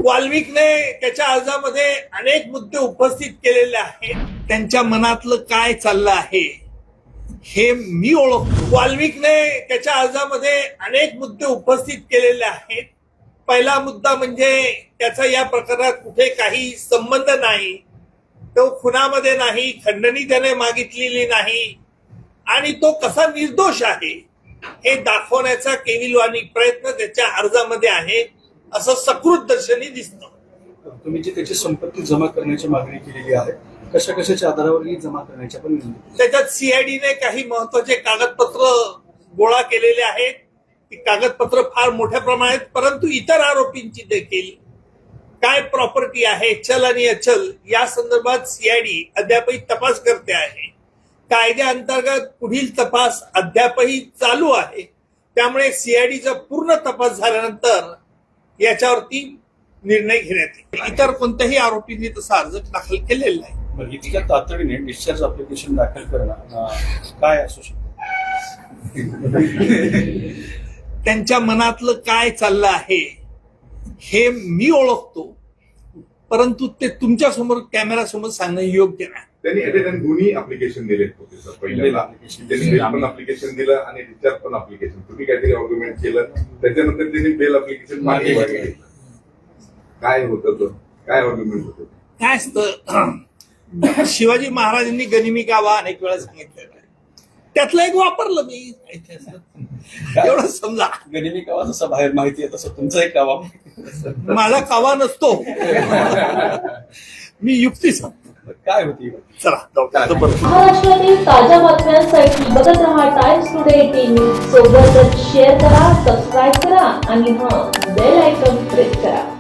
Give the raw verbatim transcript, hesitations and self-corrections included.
वाल्मिकने त्याच्या अर्जामध्ये अनेक मुद्दे उपस्थित केलेले आहेत. त्यांच्या मनातलं काय चाललं आहे हे मी ओळखतो. वाल्मिकने त्याच्या अर्जामध्ये अनेक मुद्दे उपस्थित केलेले आहेत. पहिला मुद्दा म्हणजे त्याचा या प्रकरणात कुठे काही संबंध नाही, तो खुनामध्ये नाही, खंडणी त्याने मागितलेली नाही आणि तो कसा निर्दोष आहे हे दाखवण्याचा केविलवाणी प्रयत्न त्याच्या अर्जामध्ये आहे असं सकृत दर्शनी दिसतं. तुम्ही जी त्याची संपत्ती जमा करण्याची मागणी केलेली आहे, कशा कशाच्या आधारावर ही जमा करण्याच्या पण त्याच्यात सीआयडीने काही महत्वाचे कागदपत्र गोळा केलेले आहेत. ती कागदपत्र फार मोठ्या प्रमाणात, परंतु इतर आरोपींची देखील काय प्रॉपर्टी आहे, चल आणि अचल या संदर्भात सीआयडी अद्यापही तपास करते आहे. कायद्याअंतर्गत पुढील तपास अद्यापही चालू आहे. त्यामुळे सीआयडीचा पूर्ण तपास झाल्यानंतर याच्यावरती निर्णय घेण्यात येईल. इतर कोणत्याही आरोपींनी तसा अर्ज दाखल केलेला नाही. इतक्या तातडीने डिस्चार्ज अप्लिकेशन दाखल करणं काय असू शकतं? त्यांच्या मनातलं काय चाललं आहे हे मी ओळखतो, परंतु ते तुमच्या समोर कॅमेरा समोर सांगणं योग्य नाही. त्यांनी दोन्ही अप्लिकेशन दिले होते सर. पहिल्यांदा त्यांनी बेल पण अप्लिकेशन दिलं आणि डिस्चार्ज पण अप्लिकेशन. तुम्ही काहीतरी आर्ग्युमेंट केलं, त्याच्यानंतर त्यांनी बेल अप्लिकेशन मागे घेतलं. काय होतं तो काय आर्ग्युमेंट होतं? काय असतं, शिवाजी महाराजांनी गनिमी गावा अनेक वेळा सांगितलेलं आहे, त्यातलं एक वापरलं मी. एवढं समजा. गनिमी कावा जसं बाहेर माहिती आहे तसं तुमचा एक कावा माझा कावा नसतो, मी युक्ती सांगतो. काय होती? चला महाराष्ट्रातील ताज्या बातम्यांसाठी बघत रहा टाइम्स टुडे एटीन न्यूज. सोबतच शेअर करा, सबस्क्राईब करा आणि हां बेल आयकॉन प्रेस करा.